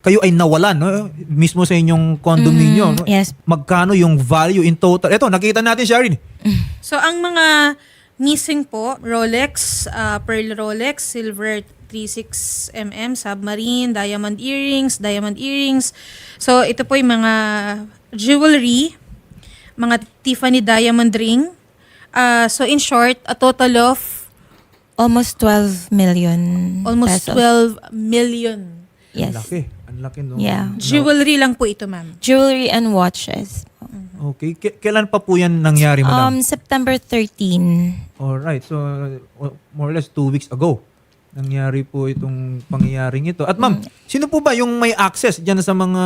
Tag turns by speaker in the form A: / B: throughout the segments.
A: kayo ay nawalan, no? Mismo sa inyong condominium. No?
B: Yes.
A: Magkano yung value in total? Ito, nakita natin, Sharon.
C: So, ang mga missing po, Rolex, Pearl Rolex, Silver 36mm, Submarine, Diamond Earrings. So, ito po yung mga jewelry, mga Tiffany Diamond Ring. So, in short, a total of
B: Almost 12 million
C: almost
B: pesos.
C: 12 million.
B: Yes.
A: Ang laki, no?
B: Yeah.
C: Jewelry lang po ito, ma'am.
B: Jewelry and watches.
A: Okay. Kailan pa po yan nangyari, madam?
B: September 13.
A: Alright. So, more or less 2 weeks ago, nangyari po itong pangyayaring ito. At ma'am, sino po ba yung may access dyan sa mga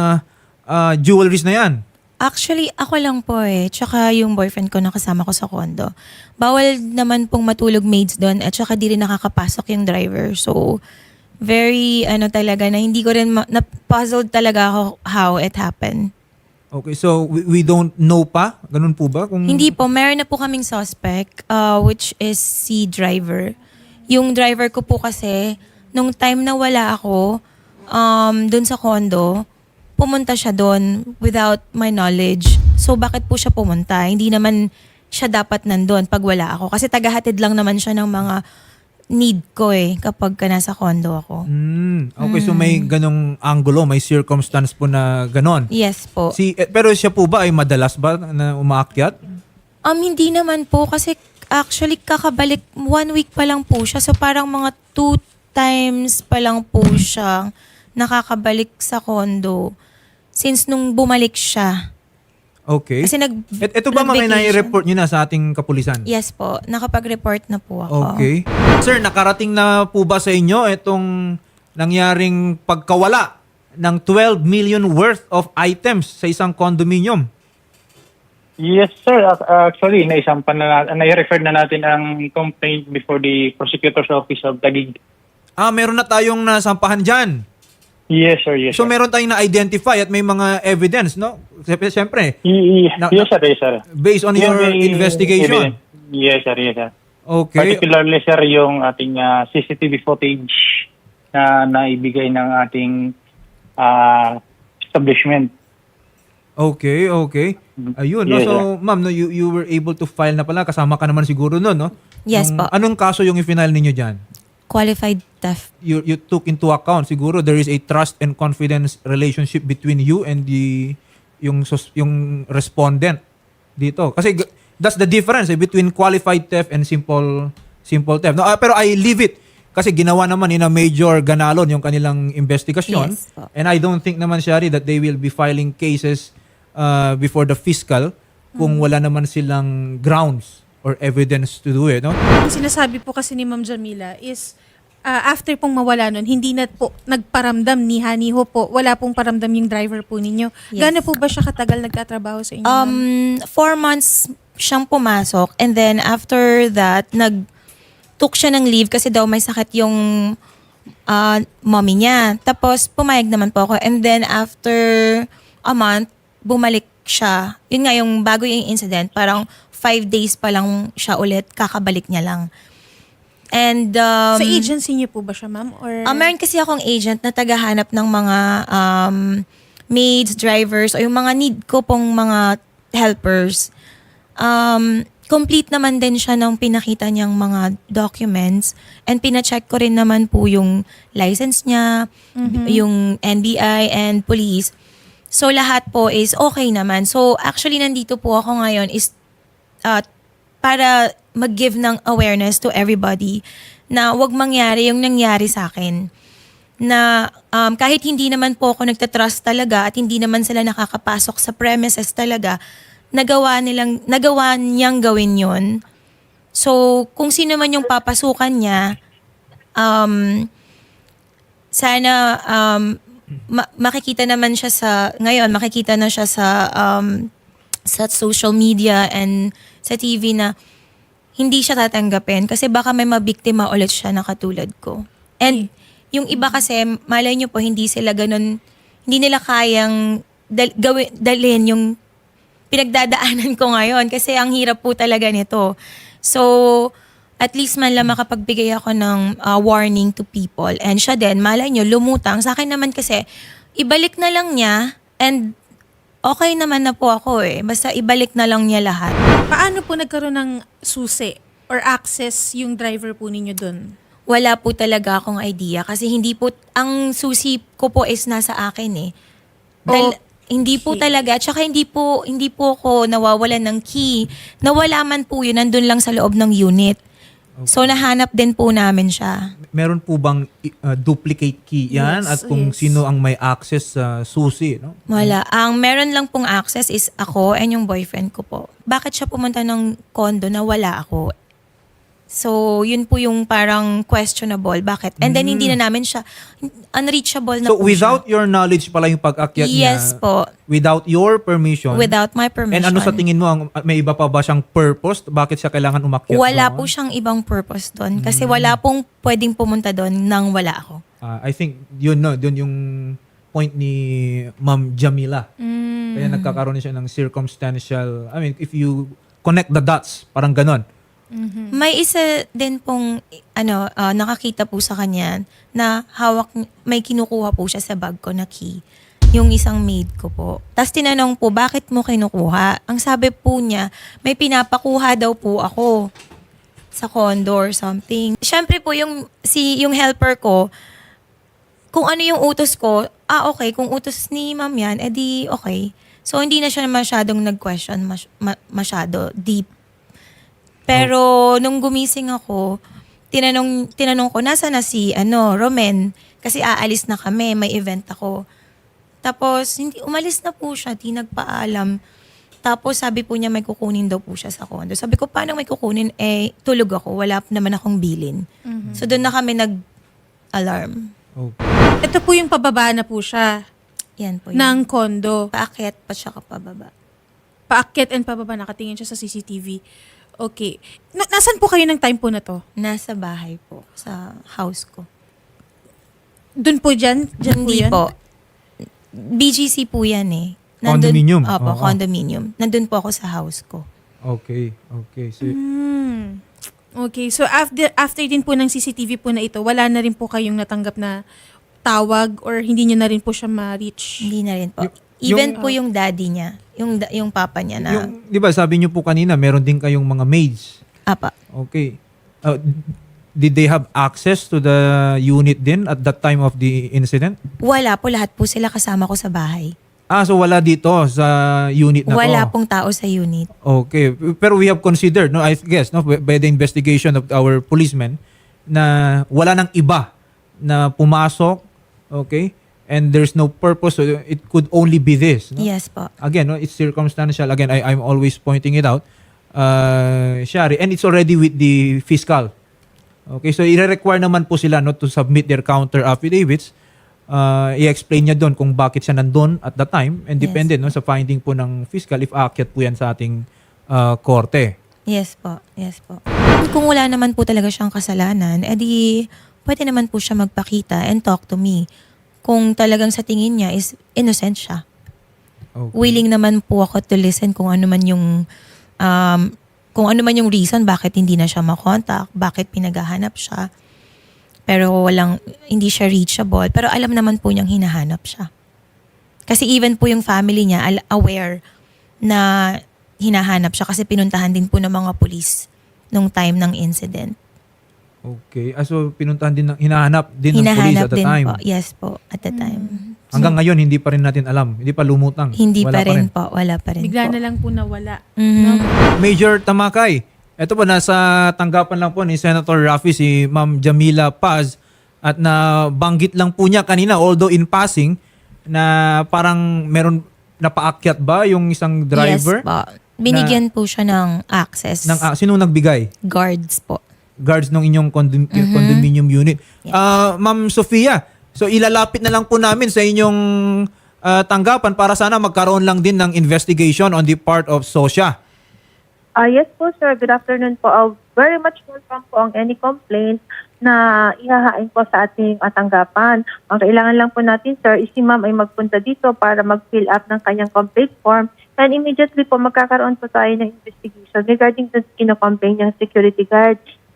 A: jewelries na yan?
B: Actually, ako lang po eh. Tsaka yung boyfriend ko nakasama ko sa condo. Bawal naman pong matulog maids doon at tsaka di rin nakakapasok yung driver. So, very talaga na hindi ko rin na-puzzled talaga ako how it happened.
A: Okay, so we don't know pa? Ganun po ba? Kung...
B: Hindi po, meron na po kaming suspect which is si driver. Yung driver ko po kasi, nung time na wala ako doon sa condo, pumunta siya doon without my knowledge. So bakit po siya pumunta? Hindi naman siya dapat nandun pag wala ako. Kasi tagahatid lang naman siya ng mga need ko kapag nasa condo ako.
A: Okay, so may ganong angulo, may circumstance po na ganon.
B: Yes po.
A: Pero siya po ba ay madalas ba na umaakyat?
B: Hindi naman po kasi actually kakabalik 1 week pa lang po siya. So parang mga 2 times pa lang po siya nakakabalik sa condo since nung bumalik siya.
A: Okay.
B: Kasi
A: Ito ba mga
B: nag-vacation.
A: nai-report nyo na sa ating kapulisan?
B: Yes po, nakapag-report na po ako.
A: Okay. Sir, nakarating na po ba sa inyo itong nangyaring pagkawala ng 12 million worth of items sa isang condominium?
D: Yes, sir. Actually, nai-refer na natin ang complaint before the prosecutor's office of Taguig.
A: Meron na tayong nasampahan dyan.
D: Yes, sir. Yes,
A: So
D: sir.
A: meron tayong na-identify at may mga evidence, no? Siyempre,
D: Yes, sir. Yes, sir.
A: based on your
D: May
A: investigation.
D: evidence. Yes, sir. Yes, sir.
A: Okay.
D: Particularly, sir, yung ating CCTV footage na naibigay ng ating establishment.
A: Okay. Ayun, no?
D: Yes,
A: So,
D: sir.
A: ma'am, no, you were able to file na pala. Kasama ka naman siguro nun, no?
B: Yes po.
A: Anong kaso yung i-file ninyo dyan?
B: Qualified theft.
A: You took into account siguro there is a trust and confidence relationship between you and yung respondent dito. Kasi that's the difference between qualified theft and simple theft. No, pero I leave it kasi ginawa naman in a major ganalon yung kanilang investigasyon.
B: Yes po.
A: And I don't think naman, Shari, that they will be filing cases before the fiscal kung wala naman silang grounds or evidence to do it, no?
C: Ang sinasabi po kasi ni Ma'am Jamila is after pong mawala nun, hindi na po nagparamdam ni Haniho po. Wala pong paramdam yung driver po ninyo.
B: Yes.
C: Gaano po ba siya katagal nagtatrabaho sa inyo? ma'am?
B: 4 months siyang pumasok and then after that, took siya ng leave kasi daw may sakit yung mommy niya. Tapos pumayag naman po ako and then after a month, bumalik siya. Yun nga yung bago yung incident, parang 5 days pa lang siya ulit, kakabalik niya lang. And
C: Sa agency niyo po ba siya, ma'am? Or
B: meron kasi akong agent na tagahanap ng mga maids, drivers, o yung mga need ko pong mga helpers. Complete naman din siya nung pinakita niyang mga documents and pina-check ko rin naman po yung license niya, yung NBI and police. So lahat po is okay naman. So actually nandito po ako ngayon is para mag-give ng awareness to everybody na wag mangyari yung nangyari sa akin. Na kahit hindi naman po ako nagtatrust talaga at hindi naman sila nakakapasok sa premises talaga, nagawa niyang gawin yon. So, kung sino man yung papasukan niya, sana makikita naman siya makikita na siya sa social media and sa TV na hindi siya tatanggapin kasi baka may mabiktima ulit siya na katulad ko. And yung iba kasi, malay nyo po, hindi sila ganun, hindi nila kayang dalhin yung pinagdadaanan ko ngayon kasi ang hirap po talaga nito. So, At least man lang makapagbigay ako ng warning to people. And siya din, malay nyo, lumutang. Sa akin naman kasi, ibalik na lang niya and okay naman na po ako eh. Basta ibalik na lang niya lahat.
C: Paano po nagkaroon ng susi or access yung driver po ninyo dun?
B: Wala po talaga akong idea kasi hindi po, ang susi ko po is nasa akin eh. Dahil, hindi po talaga, tsaka hindi po ako nawawalan ng key. Nawala man po yun, nandun lang sa loob ng unit. So nahanap din po namin siya.
A: Meron po bang duplicate key yan?
C: Yes,
A: At kung
C: yes.
A: sino ang may access sa susi, no?
B: Wala. Ang meron lang pong access is ako and yung boyfriend ko po. Bakit siya pumunta ng condo na wala ako? So, yun po yung parang questionable. Bakit? And then, hindi na namin siya, unreachable na
A: So,
B: po
A: without
B: siya.
A: your knowledge pala yung pag-akyat niya?
B: Yes po.
A: Without your permission?
B: Without my permission.
A: And ano sa tingin mo, may iba pa ba siyang purpose? Bakit siya kailangan umakyat
B: Wala
A: doon?
B: po siyang ibang purpose doon. Kasi wala pong pwedeng pumunta doon nang wala ako.
A: I think, yun yung point ni Ma'am Jamila. Kaya nagkakaroon siya ng circumstantial, I mean, if you connect the dots, parang ganon.
B: May isa din pong nakakita po sa kanya na hawak, may kinukuha po siya sa bag ko na key. Yung isang maid ko po. Tapos tinanong po, bakit mo kinukuha? Ang sabi po niya, may pinapakuha daw po ako sa condo or something. Siyempre po, yung helper ko, kung ano yung utos ko, okay, kung utos ni ma'am yan, edi okay. So, hindi na siya masyadong nag-question, masyado deep. Pero nung gumising ako, tinanong ko, nasa na si Romen? Kasi aalis na kami, may event ako. Tapos, umalis na po siya, di nagpaalam. Tapos sabi po niya may kukunin daw po siya sa condo. Sabi ko, paano may kukunin? Tulog ako, wala naman akong bilin. So doon na kami nag-alarm.
A: Okay.
C: Ito po yung pababa na po siya
B: Yan po yun.
C: ng condo.
B: Paakyat pa siya kapababa.
C: Paakyat and pababa, nakatingin siya sa CCTV. Okay. Nasaan po kayo ng time po na to?
B: Nasa bahay po, sa house ko.
C: Doon po dyan? Dyan
B: Hindi
C: po yan?
B: po. BGC po yan eh.
A: Condominium?
B: Opo,
A: Oo.
B: condominium. Nandun po ako sa house ko.
A: Okay. So,
C: Okay. So, after din po ng CCTV po na ito, wala na rin po kayong natanggap na tawag or hindi nyo na rin po siya ma-reach?
B: Hindi na rin po.
A: Yung-
B: Even po yung daddy niya, yung papa niya na,
A: di ba sabi niyo po kanina, meron din kayong mga maids.
B: apa.
A: Okay. Did they have access to the unit din at that time of the incident?
B: Wala po, lahat po sila kasama ko sa bahay.
A: So wala dito sa unit na
B: Wala
A: to?
B: pong tao sa unit.
A: Okay. Pero we have considered, no, I guess, no, by the investigation of our policemen, na wala nang iba na pumasok, okay, and there's no purpose, so it could only be this. No?
B: Yes po.
A: Again, no, it's circumstantial. Again, I'm always pointing it out. Shari, and it's already with the fiscal. Okay, so i-require naman po sila no, to submit their counter affidavits. I-explain niya doon kung bakit siya nandun at the time and
B: Yes.
A: depende no, sa finding po ng fiscal if aakyat po yan sa ating korte.
B: Yes po. Yes po. Kung wala naman po talaga siyang kasalanan, edi pwede naman po siya magpakita and talk to me. Kung talagang sa tingin niya is innocent siya.
A: Okay.
B: Willing naman po ako to listen kung ano man yung reason bakit hindi na siya makontak, bakit pinaghahanap siya. Pero hindi siya reachable. Pero alam naman po niyang hinahanap siya. Kasi even po yung family niya aware na hinahanap siya kasi pinuntahan din po ng mga police nung time ng incident.
A: Okay. So pinuntahan din hinahanap din ng police at the
B: din
A: time.
B: po. Yes po, at the time.
A: Hanggang ngayon hindi pa rin natin alam. Hindi pa lumutang.
B: Hindi
A: Wala
B: pa rin po. Wala pa rin
C: Bigla
B: po.
C: na lang po nawala.
B: Mhm.
A: Major Tamakay. Ito po, nasa tanggapan lang po ni Senator Raffy si Ma'am Jamila Paz at nabanggit lang po niya kanina, although in passing, na parang meron napaakyat ba yung isang driver?
B: Yes po. Binigyan po siya ng access.
A: Sino nagbigay?
B: Guards po.
A: Guards ng inyong condominium unit.
B: Yes.
A: Ma'am Sofia, so ilalapit na lang po namin sa inyong tanggapan para sana magkaroon lang din ng investigation on the part of SOSYA.
E: Yes po, sir. Good afternoon po. Very much welcome po ang any complaint na ihahain po sa ating tanggapan. Ang kailangan lang po natin, sir, is si ma'am ay magpunta dito para mag-fill up ng kanyang complaint form and immediately po magkakaroon po tayo ng investigation regarding sa kino-complain niyang security guard.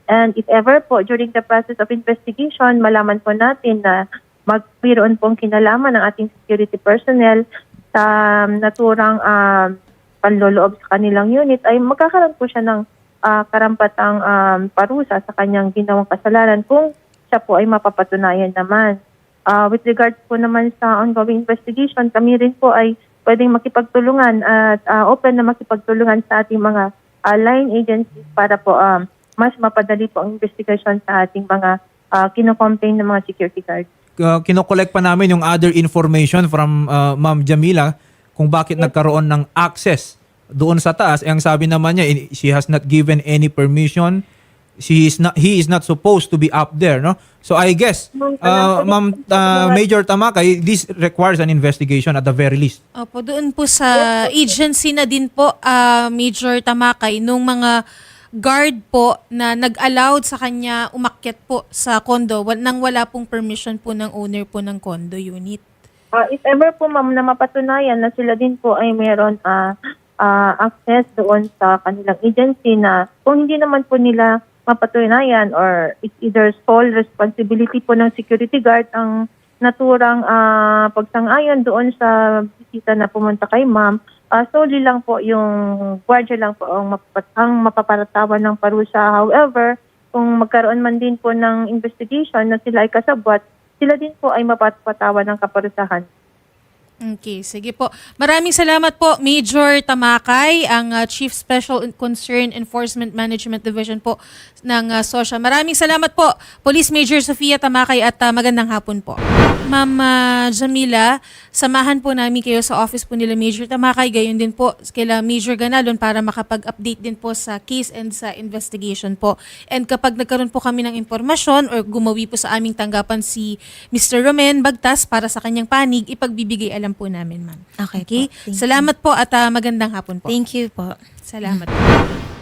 E: And if ever po during the process of investigation, malaman po natin na magbiroon pong kinalaman ng ating security personnel sa naturang panloloob sa kanilang unit, ay magkakaroon po siya ng karampatang parusa sa kanyang ginawang kasalanan kung siya po ay mapapatunayan naman. With regards po naman sa ongoing investigation, kami rin po ay pwedeng makipagtulungan at open na makipagtulungan sa ating mga line agencies para po mas mapadali po ang investigation sa ating mga kinocomplain ng mga security guards.
A: Kinokollect pa namin yung other information from Ma'am Jamila kung bakit nagkaroon ng access doon sa taas. Ang sabi naman niya, she has not given any permission. He is not supposed to be up there, no? So I guess, Ma'am Major Tamakay, this requires an investigation at the very least.
C: Opo, doon po sa agency na din po, Major Tamakay, nung mga guard po na nag-allowed sa kanya umakyat po sa condo nang wala pong permission po ng owner po ng condo unit.
E: If ever po ma'am na mapatunayan na sila din po ay meron access doon sa kanilang agency na kung hindi naman po nila mapatunayan or it's either sole responsibility po ng security guard ang naturang pagsang-ayon doon sa bisita na pumunta kay ma'am, solely lang po yung guardia lang po ang mapaparatawan ng parusa. However, kung magkaroon man din po ng investigation na sila ay kasabwat, sila din po ay mapapatawan ng kaparusahan.
C: Okay, sige po. Maraming salamat po, Major Tamakay, ang Chief Special Concern Enforcement Management Division po ng SOSHA. Maraming salamat po, Police Major Sofia Tamakay, at magandang hapon po. Ma'am Jamila, samahan po namin kayo sa office po nila Major Tamakay, gayon din po kila Major Ganalon para makapag-update din po sa case and sa investigation po. And kapag nagkaroon po kami ng impormasyon or gumawi po sa aming tanggapan si Mr. Romen Bagtas para sa kanyang panig, ipagbibigay alam po namin, ma'am.
B: Okay po.
C: Okay?
B: Thank you.
C: Salamat po at magandang hapon po.
B: Thank you po.
C: Salamat po.